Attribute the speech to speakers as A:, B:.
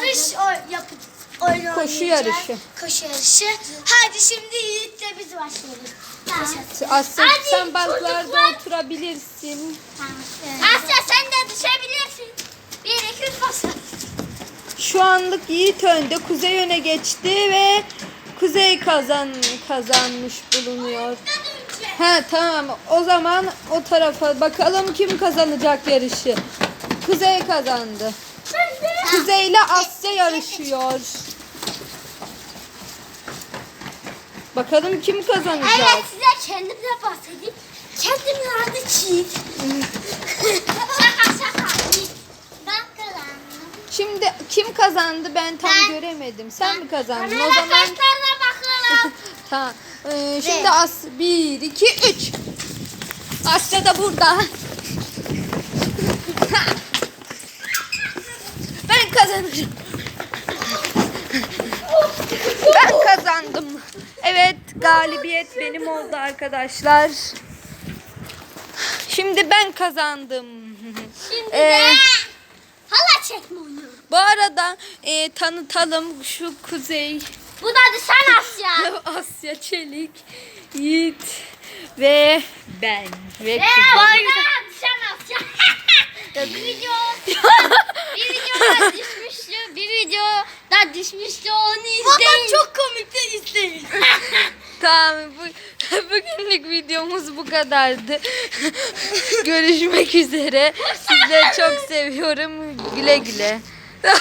A: oyun
B: Koşu
A: oynayacağız.
B: yarışı.
A: Koşu yarışı. Hadi şimdi Yiğit'le biz başlayalım.
B: Asya
A: Hadi
B: sen banklarda
A: çocuklar.
B: oturabilirsin.
A: Asya sen de düşebilirsin. 1, 2, 3 bas.
B: Şu anlık Yiğit önde. Kuzey öne geçti ve Kuzey kazanmış bulunuyor. Ha tamam. O zaman o tarafa bakalım kim kazanacak yarışı. Kuzey kazandı. Kuzey ile Asya yarışıyor. Bakalım kim kazanacak.
A: Evet size kendimle bahsedeyim. Kendimle adı Çiğit. şaka. Ben kazandım.
B: Şimdi kim kazandı ben tam göremedim. Sen mi kazandın? O zaman
A: Arkadaşlarına bakalım.
B: tamam. Şimdi 1 2 3. Asya da burada. Ben kazanacağım. Ben kazandım. Evet, galibiyet benim oldu arkadaşlar. Şimdi ben kazandım.
A: Şimdi de hala çekme oynuyorum.
B: Bu arada tanıtalım şu Kuzey,
A: Bu da düşen Asya.
B: Asya Çelik, Yiğit ve ben. Ve
A: Bu
B: Kuzey.
A: da düşen Asya. bir videoda düşmüştü. Bir videoda düşmüştü. Onu izleyin. Çok komikti izleyin.
B: Tamam, bugünlük videomuz bu kadardı. Görüşmek üzere. Sizleri çok seviyorum. Güle güle.